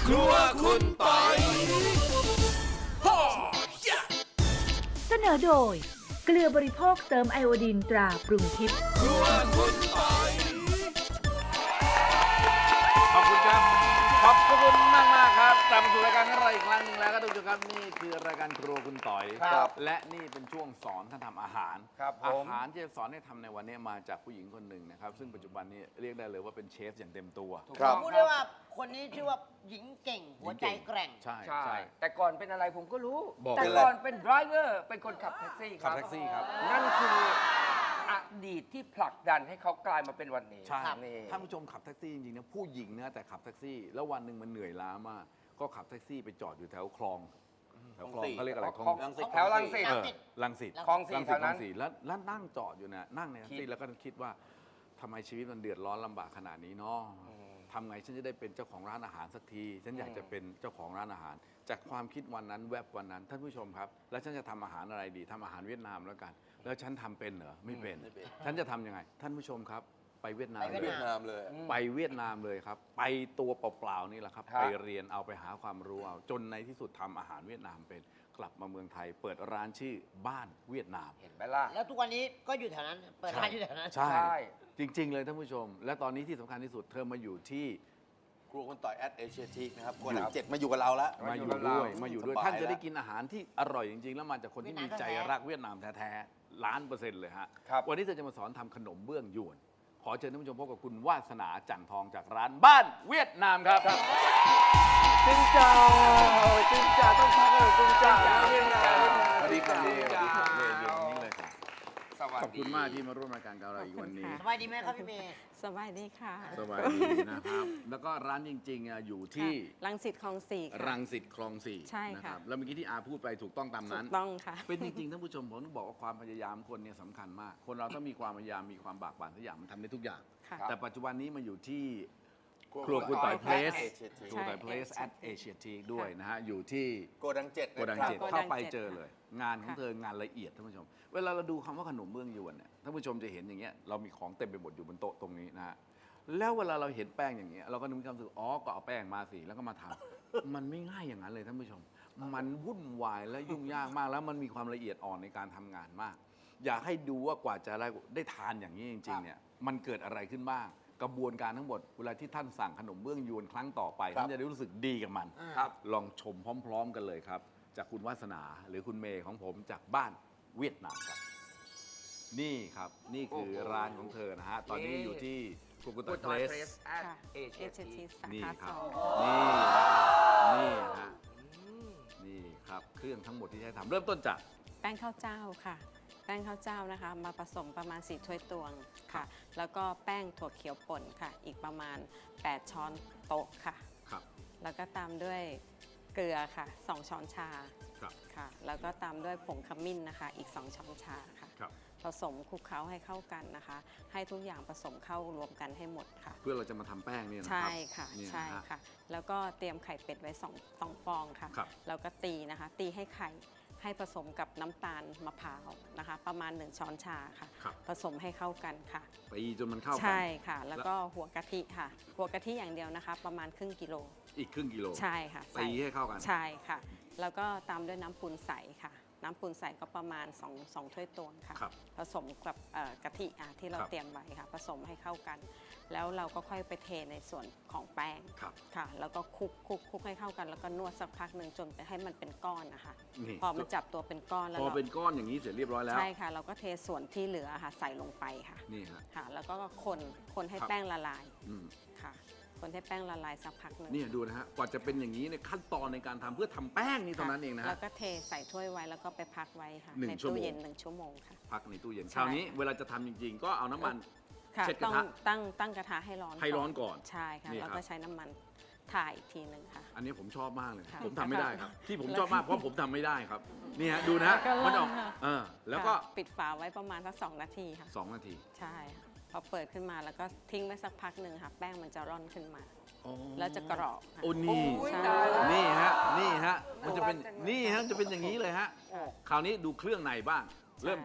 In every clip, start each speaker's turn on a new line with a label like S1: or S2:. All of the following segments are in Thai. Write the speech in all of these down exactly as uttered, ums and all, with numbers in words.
S1: ครัวคุณปอย
S2: เสนอโดยเกลือบริโภคเติมไอโอดีนตราปรุงทิพย์
S1: ครัวคุณปอย
S3: ขอบคุณครับขอบคุณมากมากๆครับกลับมาสู่รายการของเราอีกครั้งหนึ่งแล้วก็ทุกท่านครับนี่คือรายการครัวคุณต่อย
S4: ครับ
S3: และนี่เป็นช่วงสอนท่านทำอาหาร
S4: ครับผม
S3: อาหารที่จะสอนให้ทำในวันนี้มาจากผู้หญิงคนหนึ่งนะครับซึ่งปัจจุบันนี้เรียกได้เลยว่าเป็นเชฟอย่างเต็มตัว
S4: ครับ
S5: พูดได้ว่าคนนี้ชื่อว่าหญิงเก่ง หัวใจแกร่ง
S3: ใช่
S4: ใช่
S3: ใช่
S4: แต่ก่อนเป็นอะไรผมก็รู้
S3: บอก
S4: แต่
S3: เป็นอะไร
S4: ก่อนเป็นไดรเวอร์เป็นคนขับแท็กซี่ค
S3: ขั
S4: รั
S3: บบ แท็กซี่ครับ
S4: นั่นคืออดีตที่ผลักดันให้เขากลายมาเป็นวันนี้
S3: ใช่
S4: นี่
S3: ท่านผู้ชมขับแท็กซี่จริงๆนะผู้หญิงนะแต่ขับแท็กซี่ แล้ววันหนึ่งมันเหนื่อยล้ามากก็ขับแท็กซี่ไปจอดอยู่แถวคลองแถวคลองเขาเรียกอะไรคลอง
S4: รังสิตแถวรังสิต
S3: เออรังสิต
S4: คลองสี่
S3: รัง
S4: แถ
S3: สิต
S4: ว
S3: คล
S4: นั้
S3: อน งสี่แล้วแล้วนั่งจอดอยู่นะนั่งในแท็กซี่แล้วก็คิดว่าทำไมชีวิตมันเดือดร้อนลำบากขนาดนี้เนาะทำไงฉันจะได้เป็นเจ้าของร้านอาหารสักที ฉันอยากจะเป็นเจ้าของร้านอาหาร จากความคิดวันนั้นแวบวันนั้นท่านผู้ชมครับ แล้วฉันจะทำอาหารอะไรดีทำอาหารเวียดนามแล้วกัน แล้วฉันทำเป็นเหรอไม่เป็น ฉันจะทำยังไง ท่านผู้ชมครับ ไปเวียดนาม
S5: ไปเวียดนาม
S3: เลยไปเวียดนามเลยครับ ไปตัวเปล่าๆนี่แหละครับ
S4: ครับ
S3: ไปเรียนเอาไปหาความรู้เอาจนในที่สุดทำอาหารเวียดนามเป็นกลับมาเมืองไทย เปิดร้านชื่อบ้านเวียดนาม
S4: เห็นไหมล่ะ
S5: แล้วทุกวันนี้ก็อยู่แถวนั้น เปิดร้านอยู่แถวนั้น
S3: ใช่
S4: ใช่
S3: จริง ๆ เลยท่านผู้ชม และตอนนี้ที่สำคัญที่สุดเธอมาอยู่ที่
S1: ครัวคุณต่อยแอดเอเชียทีนะครับครัวหนังเจ็ดมาอยู่กับเราแล้ว
S3: มาอยู่
S4: มาอยู่กับ
S3: ด้วย
S4: เรา
S3: มาอยู่ด้วย
S1: สบาย
S3: ท่านจะได้
S1: แล้ว
S3: กินอาหารที่อร่อยจริง ๆ แล้วมาจากคนที่มีใจรักเวียดนามแท้ๆล้านเปอร์เซ็นต์เลยฮะ
S4: ครับ
S3: วันนี้เธอจะมาสอนทำขนมเบื้องยวน ขอเชิญท่านผู้ชมพบกับคุณวาสนาจันทองจากร้านบ้านเวียดนามครับจินจ่าจินจ่าต้องทักเลยจินจ่าสวัสดีครับ
S4: จินจ่า
S3: สวัสดีครับเรียนอยู่นี่เลยครับ
S4: สวัสดี
S3: ขอบคุณมากที่มาร่วมรายการกับเราอีกวันนี้
S5: สบายดีไหมครับพี่เมย์
S6: สบายดีค่ะ
S3: สบายดีนะครับ แล้วก็ร้านจริงๆอ่ะอยู่ที่
S6: ค่ะรังสิตคลองสี่ค่ะ
S3: รังสิตคลองสี่
S6: ใช่ค่ะ
S3: นะครับแล้วเมื่อกี้ที่อาพูดไปถูกต้องตาม
S6: ถู
S3: นั้น
S6: กต้องค่ะ
S3: เป็นจริงๆท่านผู้ชมผมต้องบอกว่าความพยายามคนเนี่ยสำคัญมาก คนเราต้องมีความพยายามมีความบากบั่นทุกอย่างมันทำได้ทุกอย่าง
S6: ค่ะ
S3: แต่ปัจจุบันนี้มาอยู่ที่ค
S1: ครั
S3: รัว
S1: วคุ
S3: คุณ
S1: ณต่
S3: ต่อ
S1: อย ย
S3: เพลส
S1: Place
S3: ครัวต่อยเพลส
S6: ใช่
S3: แอดเอเชียทีด้วยนะฮะอยู่ที่
S1: โกดังเจ็ด
S3: โกดัง
S1: นะครับ
S3: เจ็ด
S6: โกดัง
S3: เข้าไป
S6: เจ็ด
S3: เจอเลย งานของ
S6: ค่ะ
S3: เธองานละเอียดท่านผู้ชม เวลาเราดูคำว่าขนมเบื้องยวนเนี่ยท่านผู้ชมจะเห็นอย่างเงี้ยเรามีของเต็มไปหมดอยู่บนโต๊ะตรงนี้นะฮะแล้วเวลาเราเห็นแป้งอย่างเงี้ยเราก็นึกความรู้สึกอ๋อก็เอาแป้งมาสิแล้วก็มาทำ มันไม่ง่ายอย่างนั้นเลยท่านผู้ชม มันวุ่นวายและยุ่งยากมากแล้วมันมีความละเอียดอ่อนในการทำงานมาก อยากให้ดูว่ากว่าจะได้ได้ทานอย่างนี้จริงๆเนี่ยมันเกิดอะไรขึ้นบ้าง กระบวนการทั้งหมดเวลาที่ท่านสั่งขนมเบื้องยวนครั้งต่อไป
S1: ครับ
S3: ท่านจะได้รู้สึกดีกับมัน
S4: ครับ
S3: ลองชมพร้อม ๆ กันเลยครับ จากคุณวาสนาหรือคุณเมย์ของผมจากบ้านเวียดนามครับ นี่ครับนี่คือร้านของเธอนะฮะตอนนี้อยู่ที่คุกุ
S4: กุ
S3: ต
S4: ด
S3: เพ
S4: ต่
S3: ล
S4: อย
S3: ส
S4: เพรสแอด
S6: ค่ะ
S4: เอเชี
S6: เอย เชีย
S4: ที
S6: ทีสา
S3: นี่
S6: ขา
S3: ค
S6: ส
S3: รับ
S6: อง
S3: นี่นะครับนี่นะฮะนี่นี่ครับเครื่องทั้งหมดที่ใช้ทำเริ่มต้นจาก
S6: แป้งข้าวเจ้าค่ะ แป้งข้าวเจ้านะคะ มาผสมประมาณสี่ถ้วยตวงค่ะ แล้วก็แป้งถั่วเขียวป่นค่ะ อีกประมาณแปดช้อนโต๊ะค่ะ
S3: ครับ
S6: แล้วก็ตามด้วยเกลือค่ะสองช้อนชา
S3: ครับ
S6: ค่ะ แล้วก็ตามด้วยผงขมิ้นนะคะ อีกสองช้อนชาค่ะ
S3: ครับ
S6: ผสมคลุกเคล้าให้เข้ากันนะคะ ให้ทุกอย่างผสมเข้ารวมกันให้หมดค่ะ
S3: เพื่อเราจะมาทำแป้งเนี่ยนะค
S6: ใช่
S3: รับ
S6: ค่ะ
S3: เนี่ยนะฮะ
S6: ใช่ค่ะ แล้วก็เตรียมไข่เป็ดไว้สองสองฟองค่ะ
S3: ครับ
S6: แล้วก็ตีนะคะ ตีให้ไข่ให้ผสมกับน้ำตาลมะพร้าวนะคะ ประมาณหนึ่งช้อนชาค่ะ
S3: ครับ
S6: ผสมให้เข้ากันค่ะ
S3: ตีจนมันเข้ากัน
S6: ใช่ค่ะ แล้วก็หัวกะทิค่ะ หัวกะทิอย่างเดียวนะคะ ประมาณครึ่งกิโล
S3: อีกครึ่งกิโล
S6: ใช่ค่ะใส่
S3: ตีให้เข้ากัน
S6: ใช่ค่ะ แล้วก็ตามด้วยน้ำปูนใสค่ะ น้ำปูนใสก็ประมาณ2 2ถ้วยตวงค่ะ
S3: ครับ
S6: ผสมกับเอ่อกะทิอ่ะที่เรา
S3: ครับ
S6: เตรียมไว้ค่ะ ผสมให้เข้ากัน แล้วเราก็ค่อยไปเทในส่วนของแป้ง
S3: ครับ
S6: ค่ะ แล้วก็คลุกคลุกคลุกให้เข้ากัน แล้วก็นวดสักพักหนึ่งจนไปให้มันเป็นก้อนนะคะ
S3: นี่
S6: พอมันจับตัวเป็นก้อนแล้ว
S3: พอ
S6: เรา
S3: เป็นก้อนอย่างนี้เสร็จเรียบร้อยแล้ว
S6: ใช่ค่ะ เราก็เทส่วนที่เหลือค่ะใส่ลงไปค่ะ
S3: นี่ฮะ
S6: ค่ะ แล้วก็คนคนให้
S3: ครับ
S6: แป้งละลาย
S3: อืม
S6: ค่ะ คนให้แป้งละลายสักพักหนึ่ง
S3: เนี่ยดูนะฮะกว่าจะเป็นอย่างนี้ในยขั้นตอนในการทำเพื่อทำแป้งนี่เท่านั้นเองนะ
S6: แล้
S3: ฮะ
S6: วก็เทใส่ถ้วยไว้แล้วก็ไปพักไว้ค่ะ
S3: หนึ่ง
S6: ใน
S3: ชั่วโม
S6: ตู้
S3: ง
S6: เย็นหนึ่งชั่วโมงค่ะ
S3: พักในตู้เย็น
S6: ใช่
S3: คราวนี้เวลาจะทำจริง ๆ ก็เอาน้ำมัน
S6: ค่ะ
S3: เช็ดก
S6: ต้
S3: ระ
S6: อง
S3: ทะ
S6: ตั้งตั้งกระทะให้ร้อน
S3: ให้ร้อนก่อน
S6: ใช่ค่ะ
S3: นี่
S6: แล้ว
S3: ครั
S6: ก็
S3: บ
S6: ใช้น้ำมันถ่ายอีกทีหนึ่งค่ะ
S3: อันนี้ผมชอบมากเลย
S6: ค่ะ
S3: ผมทำไม่ได้ครับ ที่ผม
S6: แล้ว
S3: ชอบมากเพราะผมทำไม่ได้ครับนี่ฮะดูนะฮะ
S6: แล้วก็
S3: มันออก
S6: ร่อนค่ะ
S3: เออแล้วก็
S6: ค่ะปิดฝาไว้ประมาณสักสองนาทีค่ะ
S3: สองนาที
S6: ใช่ค่ะพอเปิดขึ้นมาแล้วก็ทิ้งไว้สักพักหนึ่งค่ะ แป้งมันจะร่อนขึ้นมา
S3: อ๋อ
S6: แล้วจะกรอบค่ะ
S3: โอ้นี่
S4: โอ้ย
S6: ใช่
S4: ตายแล้ว
S3: นี่ฮะนี่ฮะมันจะเป็น
S4: โอ้
S3: นี่ฮะจะเป็นอย่างนี้เลยฮะ
S6: ค่ะ
S3: คราวนี้ดูเครื่องในบ้าง เริ่มจาก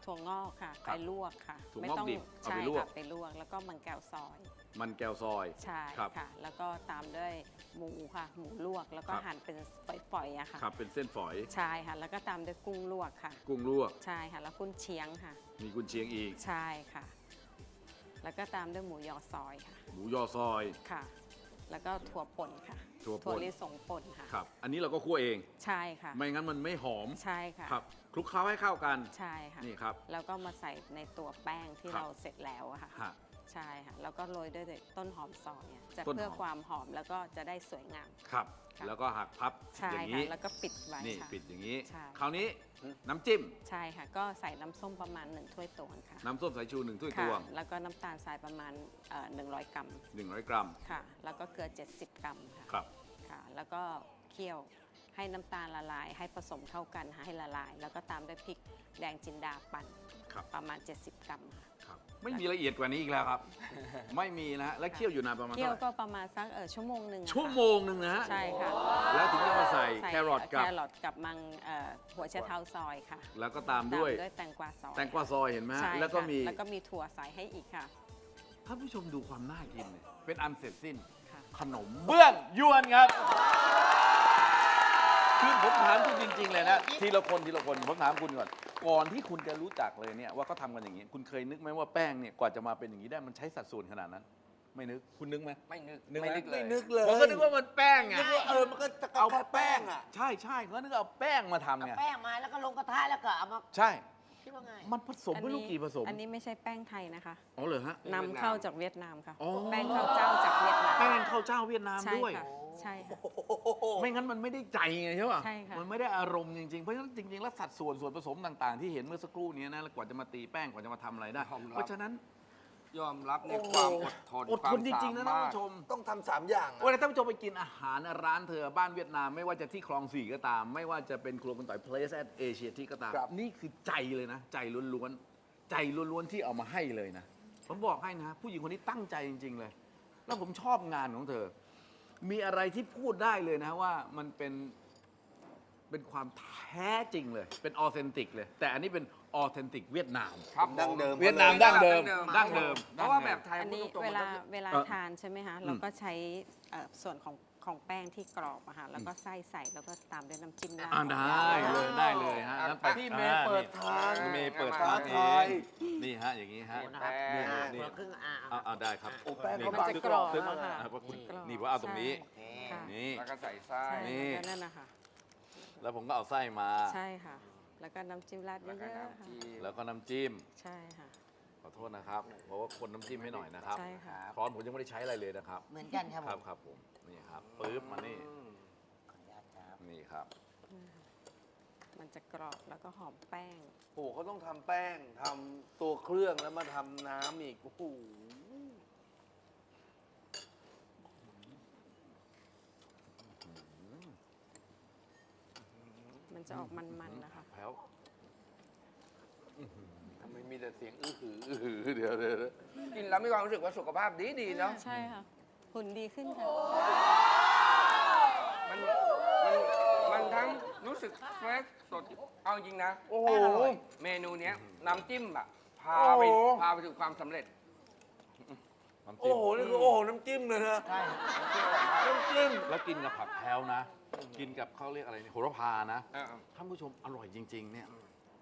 S6: ถั่วงอกค่ะ
S3: ครั
S6: ไป
S3: บ
S6: ลวกค่ะ
S3: ถั่วงอก
S6: ไม่ต้อง
S3: ดิบเอา
S6: ใช่
S3: ไปลวก
S6: ค่ะไปลวกแล้วก็มันแก้วซอย
S3: มันแก้วซอย
S6: ใช่
S3: ครับ
S6: ค่ะ แล้วก็ตามด้วยหมูค่ะ หมูลวกแล้วก็
S3: ครับ
S6: หั่นเป็นฝอยๆอะค่ะ
S3: ครับเป็นเส้นฝอย
S6: ใช่ค่ะ แล้วก็ตามด้วยกุ้งลวกค่ะ
S3: กุ้งลวก
S6: ใช่ค่ะ แล้วกุ้งเชียงค่ะ
S3: มีกุนเชียงอีก
S6: ใช่ค่ะ แล้วก็ตามด้วยหมูยอซอยค่ะ
S3: หมูยอซอย
S6: ค่ะ แล้วก็ถั่วป่นค่ะ
S3: ถั่วป่น
S6: ลิสงป่นค่ะ
S3: ครับ อันนี้เราก็คั่วเอง
S6: ใช่ค่ะ
S3: ไม่งั้นมันไม่หอม
S6: ใช่ค่ะ
S3: ครับคลุกเคล้าให้เข้ากัน
S6: ใช่ค่ะ
S3: นี่ครับ
S6: แล้วก็มาใส่ในตัวแป้งที่
S3: ครับ
S6: เราเสร็จแล้วอะค่ะ
S3: ฮะ
S6: ใช่ค่ะ แล้วก็โรยด้วยต้นหอมซอยอะจะ
S3: ต้นหอม
S6: เพื่อความหอมแล้วก็จะได้สวยงาม
S3: ครับ
S6: ค่ะ
S3: แล้วก็หักพับ
S6: ใช่
S3: อย่าง
S6: ค่ะ
S3: นี้
S6: แล้วก็ปิดไว้
S3: นี่
S6: ค่ะ
S3: ปิดอย่างนี้
S6: ใช่
S3: คราวนี้น้ำจิ้ม
S6: ใช่ค่ะ ก็ใส่น้ำส้มประมาณหนึ่งถ้วยตวงค่ะ
S3: น้ำส้มสายชูหนึ่งถ้วยต
S6: ค่ะ
S3: วง
S6: แล้วก็น้ำตาลทรายประมาณเอ่อหนึ่งร้อยกรัม
S3: หนึ่งร้อยกรัม
S6: ค่ะ แล้วก็เกลือเจ็ดสิบกรัมค่ะ
S3: ครับ
S6: ค่ะ แล้วก็เคี่ยวให้น้ำตาลละลาย ให้ผสมเข้ากันค่ะให้ละลาย แล้วก็ตามด้วยพริกแดงจินดาปั่น
S3: ครับ
S6: ประมาณ เจ็ดสิบกรัมค่ะ
S3: ครับ ไม่มีละเอียดกว่านี้อีกแล้วครับ ไม่มีนะฮะ และเคี่ยวอยู่นานประมาณ
S6: เคี่ยว
S3: เท่าไห
S6: ก็
S3: ร่
S6: ประมาณสักเออชั่วโมงหนึ่งอะค่ะ
S3: ชั่วโมงหนึ่งนะฮะ
S6: ใช่ค่ะ
S3: แล้วถึงจะมาใส่
S6: ใส่
S3: แครอทกับ
S6: แครอทกับมังเอ่อหัวไชเท้าซอยค่ะ
S3: แล้วก็ตามด้วย
S6: ตามด้วยแตงกวาซอย
S3: แตงกวาซอยเห็นไหมฮะ
S6: ใช่
S3: แล้วก็
S6: ค่ะ
S3: มี
S6: แล้วก็มีถั่วใส่ให้อีกค่ะ
S3: ท่านผู้ชมดูความน่ากินเนี่ยเป็นอันเสร็จสิ้น
S6: ค่ะ
S3: ขนมเบื้องยวนครับ คือผมถามคุณจริง ๆ เลยนะ ทีละคนทีละคนผมถามคุณก่อน ก่อนที่คุณจะรู้จักเลยเนี่ยว่าเขาทำกันอย่างนี้ คุณเคยนึกไหมว่าแป้งเนี่ยกว่าจะมาเป็นอย่างนี้ได้มันใช้สัดส่วนขนาดนั้น ไม่นึก คุณนึกไหม
S4: ไม่นึก
S3: นึกไหม
S4: ไม่นึกเลย
S1: ไม่นึกเลย
S3: ผมก็นึกว่ามันแป้งไง
S1: นึกว่าเออมันก็จะเอาแค่แป้งอ่ะ
S3: ใช่ใช่เขานึกเอาแป้งมาทำ
S5: เอา
S3: ไง
S5: แป้งมาแล้วก็ลงกระทะแล้วก็เอามา
S3: ใช่
S5: คิดว่าไง
S3: มันผสมไม่รู้กี่ผสม
S6: อันนี้ไม่ใช่แป้งไทยนะคะ
S3: อ๋อเหรอฮะ
S6: นำเข้าจากเวียดนามค่ะ
S3: อ๋อ
S6: แป้งข้าวเจ้าจากเวียดนาม
S3: แป้งข้าวเจ้าเวียดนาม
S6: ใช่
S3: ด้วย
S6: ค่ะใช่ค่ะ
S3: ไม่งั้นมันไม่ได้ใจไงใช่ป่ะ
S6: ใช่ค่ะ
S3: มันไม่ได้อารมณ์จริงๆ เพราะฉะนั้นจริงๆ แล้วสัดส่วนส่วนผสมต่างๆ ที่เห็นเมื่อสักครู่นี้นะแล้วกว่าจะมาตีแป้งกว่าจะมาทำอะไรได้
S4: ยอมรับ
S3: เพราะฉะนั้น
S4: ยอมรับในความอดทน
S3: อดทนจริงๆ นะท่านผู้ชม
S1: ต้องทำสามอย่างอะ
S3: เวลาท่านผู้ชมไปกินอาหารร้านเธอบ้านเวียดนาม ไม่ว่าจะที่คลองสี่ก็ตาม ไม่ว่าจะเป็นครัวคุณต่อย Place at Asia ที่ก็ตาม
S1: ครับ
S3: นี่คือใจเลยนะ ใจล้วนๆ ใจล้วนๆ ที่เอามาให้เลยนะ ผมบอกให้นะ ผู้หญิงคนนี้ตั้งใจจริง ๆ เลย แล้วผมชอบงานของเธอ มีอะไรที่พูดได้เลยนะว่ามันเป็นเป็นความแท้จริงเลย เป็นออเทนติกเลย แต่อันนี้เป็นออเทนติกเวียดนาม
S4: ครับ
S1: ดั้งเดิม
S3: เวียดนามดั้งเดิมดั้งเดิม
S4: เพราะว่าแบบไทย
S6: อันนี้
S4: พูดตรงๆ
S6: เวลา
S4: มันก็
S6: เวลา
S3: เอ่อ
S6: ทานใช่ไหมคะเราก็ใช้เอ่อส่วนของของแป้งที่กรอบอะค่ะแล้วก็ไส้ใส่แล้วก็ตามด้วยน้ำจิ้มราด
S3: อ่าได้เลยได้เลยฮะ
S4: อ่ะ
S3: แล้วแต่
S1: ที่เมย์เปิดทาง
S3: นี่เมย์เปิด
S1: ท้า
S3: ทางเอ
S1: ทาย
S3: งนี่ฮะอย่างนี้ฮะ
S4: แป้ง
S3: นี่
S5: อ่า
S3: นี่
S5: คนละครึ่งอ่า
S3: เอาเอาได้ครับ
S1: โอ้แป้ง
S3: นี่
S1: เขา
S6: มัน
S1: บาง
S6: จะกรอบ
S3: ซื้อ
S6: แล้ว
S3: มา
S6: ค่ะ
S3: อ่ะว่าคุณ
S6: กรอบ
S3: นี่ว่าเอาตรงนี้
S6: ใช่ค่ะ
S3: นี่
S4: แล้วก็ใส่ไส้
S6: ใช่
S3: นี่
S6: แล้วนั่นนะคะ
S3: แล้วผมก็เอาไส้มา
S6: ใช่ค่ะ แล้วก็น้ำจิ้มราดเย
S4: แล้วก็
S6: อะๆค่ะ
S4: น้ำจิ้ม
S3: แล้วก็น้ำจิ้ม
S6: ใช่ค่ะ
S3: ขอโทษนะครับ เพราะว่าคนน้ำจิ้มให้หน่อยนะครับ
S6: ใช่ค่ะ
S3: ช้อนผมยังไม่ได้ใช้อะไรเลยนะครับ
S5: เหมือนกันครับ
S3: ค
S5: ผ
S3: รับ
S5: ม
S3: ครับผม นี่ครับปึ๊บมานี่
S4: อืม
S5: ขออนุญาตครับ
S3: นี่ครับ
S6: มันจะกรอบแล้วก็หอมแป้ง
S1: โอ้โหเขาต้องทำแป้งทำตัวเครื่องแล้วมาทำน้ำอีก โอ้โห
S6: มันจะออกมันๆนะคะ
S3: แพ้ว
S1: ทำไมมีแต่เสียงอื้อหืออื้อหือเดี๋ยวเดี๋ยวเดี๋ยว
S4: กินแล้วมีความรู้สึกว่าสุขภาพดีดีๆเนาะ
S6: ใช่ค่ะ หุ่นดีขึ้นค่ะ
S4: มันมันมันทั้งรู้สึกเฟรชสด เอาจริงนะ
S1: โอ้โห
S4: เมนูเนี้ยน้ำจิ้มอะพาไป
S1: โอ้โห
S4: พาไปสู่ความสำเร็จ
S3: น้ำ
S1: โอ้
S3: จิ้ม
S1: โห นี่คือโอ้โห น้ำจิ้มเลยนะ
S5: ใช่
S1: น้ำจิ้ม
S3: แล้วกินกับผักแพรวนะ กินกับเขาเรียกอะไรเนี่ยโหระพานะ
S4: อ่า
S3: ท่านผู้ชมอร่อยจริง ๆ เนี่ย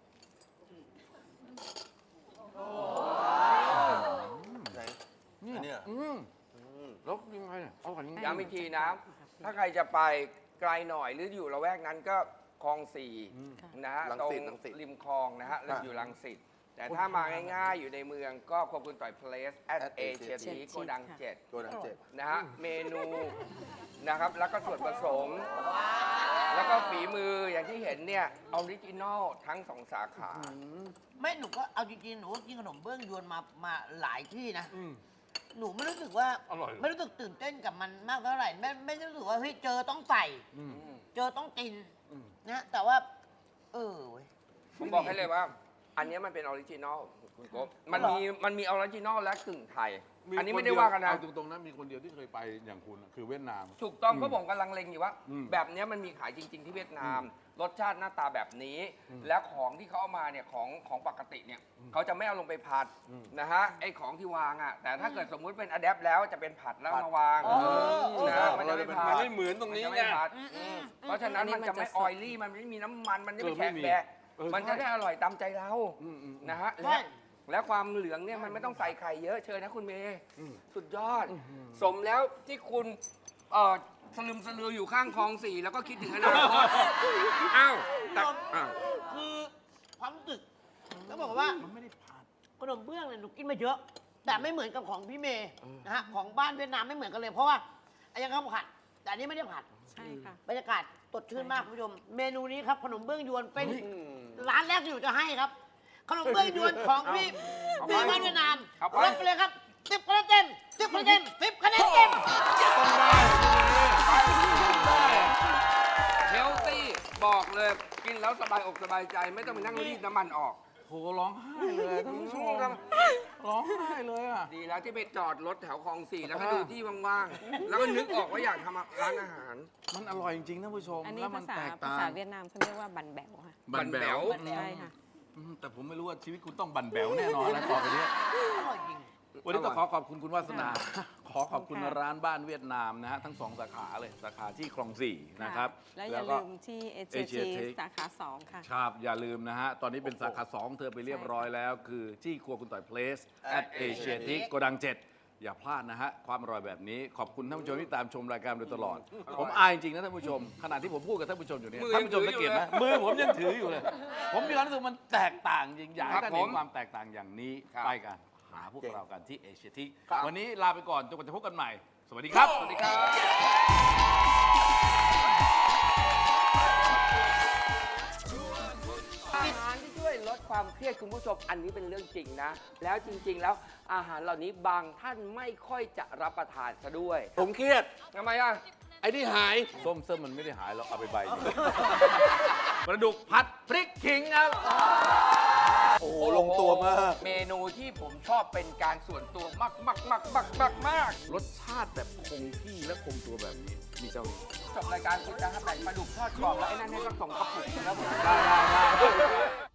S1: ไหน
S3: เนี่
S1: อันเนี้
S3: ย
S1: ย
S3: อืม
S1: อืม
S3: แล้วยังไงเนี่ยอร่อยจริงๆ
S4: ย้ำอีกทีนะ ถ้าใครจะไปไกลหน่อยหรืออยู่ละแวกนั้นก็คลองสี่
S3: อืม
S4: นะฮะ
S1: รัง
S4: ตร
S1: สิ
S4: ง
S1: ตรังสิต
S4: ริมคลองนะฮะแล้วอยู่รังสิตแต่ถ้ามาง่ายๆ อยู่ในเมืองก็ควบคุณต่อย Place at
S1: at
S4: Asia
S1: Asia
S4: T โกดัง
S6: ค่ะ
S4: เจ็ด
S1: โกดังเจ็ด
S4: นะฮะเมนูนะครับแล้วก็ส่วนผสม แล้วก็ฝีมืออย่างที่เห็นเนี่ยออริจินอลทั้งสองสาขา
S5: ไม่หนูก็เอาจริงๆหนูก็กินขนมเบื้องยวนมามาหลายที่นะ
S3: อืม
S5: หนูไม่รู้สึกว่า
S3: อร่อย
S5: ไม่รู้สึกตื่นเต้นกับมันมากเท่าไหร่ไม่ไม่รู้สึกว่าเฮ้ยเจอต้องใส่
S3: อืม
S5: เจอต้องกิน
S3: อืม
S5: นะแต่ว่า เออเว้ย
S4: ผมบอกให้เลยว่า อันเนี้ยมันเป็นออริจินอลคุณโก๊บมันมีมันมีออริจินอลและกึ่งไทย อันนี้ไม่ได้ว่ากันนะ
S3: เอาตรงๆนะมีคนเดียวที่เคยไปอย่างคุณอะคือเวียดนาม
S4: ถูกต้อง
S3: อืม
S4: ก็ผมกำลังเล็งอยู่ว่า
S3: อืม
S4: แบบเนี้ยมันมีขายจริง ๆ ที่เวียดนามรสชาติหน้าตาแบบนี้ แล้วของที่เขาเอามาเนี่ยของของปกติเนี่ยเขาจะไม่เอาลงไปผัดนะฮะไอ้ของที่วางอ่ะแต่ถ้าเกิดสมมุติเป็นอะแดปแล้วจะเป็นผัดแล้วเอามาวางนะมันจะไม่ผัด
S1: มันไม่เหมือนตรงนี้
S4: มัจะ
S1: ไง
S4: ไม่ผัดเพราะฉะนั้นมันจะไม่ออยลี่มันไม่มีน้ำมันมันไม่แข็งแบะมันจะได้อร่อยตามใจเรานะฮะและแล้วความเหลืองเนี่ยมันไม่ต้องใส่ไข่เยอะเชิญนะคุณเมย์สุดยอด สมแล้วที่คุณเอ่อสลึมสลืออยู่ข้างคลองสี่แล้วก็คิดถึงอนาคตอ้าวแต่อ้าว
S5: คือความรู้สึกต้องบอกว่า
S3: มันไม่ได้ผัด
S5: ขนมเบื้องเนี่ยหนูกินมาเยอะ แต่ไม่เหมือนกับของพี่เมย์นะฮะของบ้านเวียดนามไม่เหมือนกันเลย เพราะว่าไอ้ยังข้าวผัด แต่อันนี้ไม่ได้ผัด
S6: ใช่ค่ะ
S5: บรรยากาศสดชื่นมากคุณผู้ชม เมนูนี้ครับขนมเบื้องยวนเป็นร้านแรกที่หนูจะให้ครับ ขนมเบื้องยวนของพี่พี่บ้านเวียดนามรับไปเลยครับสิบคะแนนเต็มสิบคะแนนเต็มสิบคะแนนเต็ม
S4: เฮลตี้บอกเลยกินแล้วสบายอกสบายใจไม่ต้องไปนั่งรีดน้ำมันออก
S3: โหร้องไห้เลยท่านผู้ชมร้องไห้เลยอ่ะ
S4: ดีแล้วที่ไปจอดรถแถวคลองสี่แล้วก็ดูที่ว่างๆ แล้วก็นึกออกว่าอยากทำร้านอาหาร
S3: มันอร่อยจริงๆท่านผู้ชม
S6: อันนี้
S3: แล้วมั
S6: ภาน ษา
S3: แตก
S6: ภา
S3: ต่า
S6: ษาง เวียดนามเขาเรียกว่าบันแบวค่ะ
S3: บันแบว
S4: บันแบว
S6: ใช่ค่ะ
S3: อืมแต่ผมไม่รู้ว่าชีวิตคุณต้องบันแบวแน่นอนนะต่อไปนี้
S5: อร่อยจริง
S3: วันนี้ต้องขอขอบคุณคุณวาสนา ขอขอบคุณ
S6: ค่ะ
S3: ร้านบ้านเวียดนามนะฮะทั้งสองสาขาเลยสาขาที่คลองสี่นะครับ
S6: และอย่า
S3: ก็
S6: ลืมที่เอเจ
S3: Asia
S6: ที
S3: Tech
S6: สาขาสองค่ะ
S3: ครับอย่าลืมนะฮะ ตอนนี้เป็นสาขาสองเธอไปเรียบร้อยแล้ว คือที่ครัวคุณต่อยเพลส at Asia Tech โกดังเจ็ดอย่าพลาดนะฮะ ความอร่อยแบบนี้ ขอบคุณท่านผู้ชมที่ตามชมรายการโดยตลอด ผมอายจริงๆนะท่านผู้ชม ขณะที่ผมพูดกับท่านผู้ชมอยู่เนี่ย
S4: มือ
S3: ท่านผู้ชม
S4: ยัง
S3: สัง
S4: ถื
S3: เก
S4: อ
S3: ต
S4: อยู่
S3: ไหม
S4: เลย
S3: มือผมยังถืออยู่เลย ผมมีความรู้สึกมันแตกต่างจริงอยากให้
S4: ครับ
S3: ท่านเห็
S4: ผ
S3: น
S4: ม
S3: ความแตกต่างอย่างนี้
S4: ครับ
S3: ไปกันหาพวกเรากันที่ Asia Tech
S4: ครับ
S3: วันนี้ลาไปก่อนจนกว่าจะพบกันใหม่ สวัสดีครับ
S4: สวัสดีครับ อาหารที่ช่วยลดความเครียดคุณผู้ชมอันนี้เป็นเรื่องจริงนะ แล้วจริงๆ แล้วอาหารเหล่านี้บางท่านไม่ค่อยจะรับประทานซะด้วย
S1: ผมเครียด
S4: ทำไมอ่ะ
S1: ไอ้ที่หาย
S3: ส้มเส้มมันไม่ได้หายหรอกเอาไปใบหนึ่งปลาดุกผัดพริกขิงครับ
S1: โอ้โหลงตัวมาก
S4: เมนูที่ผมชอบเป็นการส่วนตัวมากมากมากมากมากมาก
S3: รสชาติแบบคงที่และคงตัวแบบนี้ มีเจ้านี้
S4: จบรายการคุณจะทำไหนปลาดุกทอดกรอบแล้วไอ้นั่นให้ก็ส่งกระปุกแล้วผม
S3: ได้ได้ได้